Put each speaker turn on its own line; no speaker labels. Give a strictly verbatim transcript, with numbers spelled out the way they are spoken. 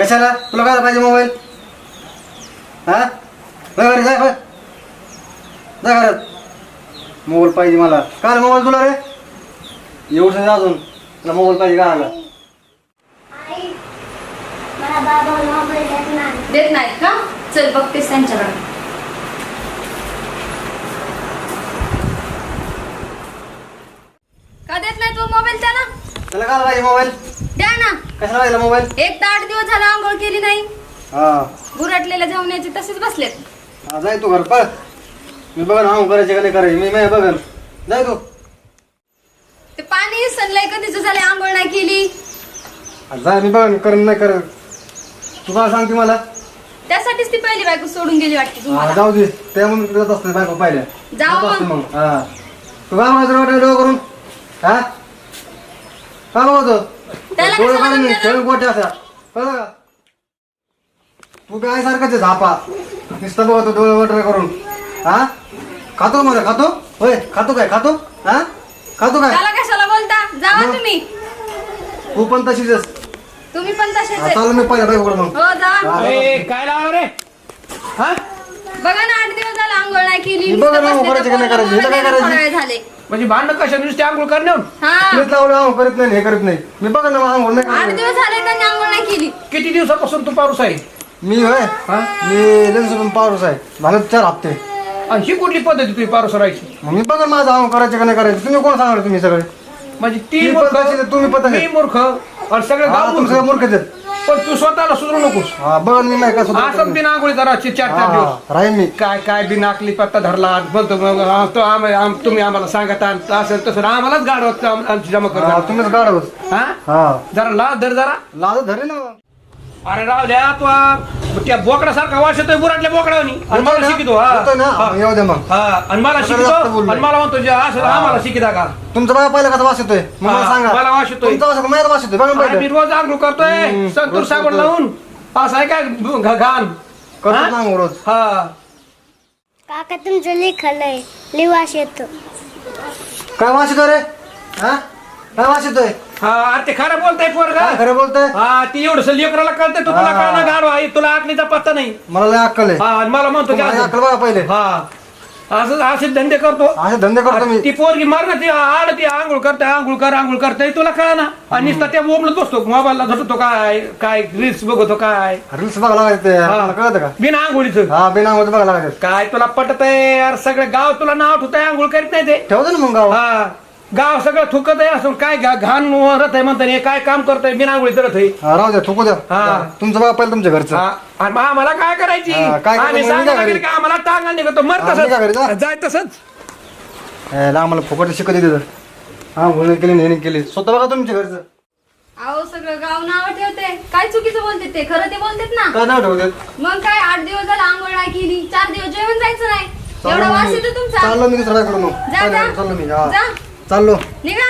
कशाला तुला काय पाहिजे मोबाईल? हा घरी जाय बघ जा घरात. मोबाईल पाहिजे मला. काय मोबाईल तुला रे? एवढं अजून तुला मोबाईल पाहिजे का आला?
देत नाहीत का? चल बघतेस त्यांच्याकडे. का देत नाही तू मोबाईल त्याला?
तुला काय पाहिजे मोबाईल?
द्या ना.
कशाला पाहिजे मोबाईल?
एक तर आठ दिवस झाला आंघोळ केली नाही.
हा
गुरटलेल्या जेवण्याचे तसेच बसलेत.
हा जाय तू घर बघ. मी बघन हा करायचे का नाही करायचे मी मी बघन. जाय तू.
ते पाणी सनलाय कधीच झाले आंघोळ नाही केली.
जाय मी बघन करण नाही करत. तू काय सांगते मला?
त्यासाठीच ती पहिली बायको सोडून गेली वाटते
हा
तुम्हाला.
जाऊ दे त्यामुळे जात असते बायको पाहिल्या
जाऊ
जात असते
मग.
मग. हा तू काय म्हणायचं वाटलं डोळं करून? हा काय बघतो?
त्याला
डोळे
कसं
काढून
म्हणून
खेळून गोटे असा कळलं का? तू काय सारखंच आहे झापा नुसतं बघतो डोळे वगैरे करून. हा खातो मला खातो होय खातो काय खातो हा खातो काय?
त्याला कशाला बोलता? जावा तुम्ही.
तू पण तशीच आहेस.
तुम्ही पण तसेच
हा,
आहे.
चालू मी पहिल्या बायकोकडे मग.
हो जा.
हा,
अरे काय लावा रे? हा
बघा ना आठ दिवस झाला आंघोळ नाही केली.
मी बघा ना,
नुसतं
करायचं
बसले
का नाही
तर
करायचं?
पोराला
इथं काय
मोबाईल
करायचं?
द्यायला थोडा वेळ झाले.
म्हणजे भांडण कशा नुसते आंघोळ करण्यावर?
हा
तेच लावलं आंघोळ करीत नाही हे करत नाही. मी बघा ना आंघोळ नाही
आठ
करत.
दिवस झाले त्यांनी आंघोळ नाही केली.
किती दिवसापासून तू पारूस आहे?
मी होय
हा?
मी लेन्स पारूस आहे झालं चार हप्ते.
आणि ही कुठली पद्धती तुझी पारूस राहायची?
मग मी बघा माझं आंघोळ करायचं का नाही करायचं तुम्ही कोण सांगणार तुम्ही सगळे?
म्हणजे ती
ती
मूर्ख,
पद्धत आहे, तुम्ही पद्धत आहे.
मी मूर्ख आणि सगळे
हा,
गाव
तुम्ही
मूर्ख.
सगळे मूर्खच आहेत.
पण तू स्वतःला सुधरू नकोस.
हा बघा मी नाही का सुद्धा
असं बिना आंघोळी राहायची चार चार दिवस.
हा, राहील मी.
काय काय बिना आकली पत्ता धरला बोलतो मग हा, तो आम- आम- तुम्ही आम्हाला सांगत आहात, असं तसं आम्हालाच गाडवत आम- आमची जमा
हा,
करतात.
तुम्हीच गाड होत.
हा
हा
जरा ला धर जरा.
लाज धरे ना.
अरे राव द्या तू आ- त्या बोकडासारखा वास येतोय बुराटल्या बोकडावनी आणि मला शिकितो. हा
होतोय ना
हा.
येऊ दे मग.
हा आणि मला
सगळं
शिकतो
जास्त बोललोय.
आणि मला म्हणतो जे असं
हा.
आम्हाला शिकिता का?
तुमचा बाबा पहिला कसा वास येतोय मग मला
हा,
सांगा.
मला वास येतोय.
तुमचा वास माझ्या वास येतोय बघा ना
अरे मी
पहिलं.
रोज आंघोळ करतोय
हम्म,
संतूर
रोज
साबण
करतोय.
लावून. असं आहे काय घ- घाण
करतो
हा?
ना आंघोळ रोज.
हा
काका तुमचं लिखालय लिवास येतो.
काय वास येतोय रे? हा काय वास येतोय?
हा अरे ते खरं बोलताय पोरगा.
काय खरं बोलतोय?
हा ती एवढस लेकराला कळतंय तू तुला
हा.
कळणार गाडवा आहे तुला आकलीचा पत्ता नाही.
मला लय अक्कल आहे.
हा आणि मला म्हणतो की
तुम्हाला
असं-
अक्कल बघा पहिले.
हा असं असे धंदे करतो.
असे धंदे करतो मी.
ती पोरगी मार ना ती आड ती आंघोळ करते आंघोळ कर आंघोळ करते तुला कळ ना आणि नुसता त्या बोबलत बसतो मोबाईलला झटतो काय काय रील्स बघतो काय
रील्स बघा लागायचं
हा.
कळतं का?
बिना आंघोळीचं.
हा बिना आंघोळ बघा लागायचं.
काय तुला पटत आहे यार सगळं गाव तुला नाव ठेवतंय आंघोळ करीत नाही ते.
ठेवतो ना मग गाव.
हा गाव सगळं थुकत आहे असून काय घा- घाण वरत आहे म्हणतात हे काय काम करतोय बिना आंघोळी करत आहे.
हा, राहू द्या थुकू द्या.
हा.
तुमचं बघा पहिलं तुमच्या घरचं.
हा, आणि मग आम्हाला काय करायची
हा, काय
आम्ही
करायचं?
सांगायला
निघा घरी.
गेलं की आम्हाला टांगा निघतो मर
हा, निघा घरी जा.
तसंच जाय तसंच.
याला आम्हाला फुकट शिकत येते हा बोलणे केली नेहमी केली स्वतः बघा तुमच्या घरचं.
अहो सगळं गाव नाव ठेवते. काय चुकीचं बोलते ते खरं ते बोलतेत ना.
काय नाव ठेवतात?
मग काय आठ दिवस झाला आंघोळ नाही केली. चार दिवस जेवण जायचं नाही. एवढा वास येतो तुमचा.
चाललो मी दुसऱ्याकडे मग
जा, जा.
चाललो मी हा
जा
चाललो.
निघा.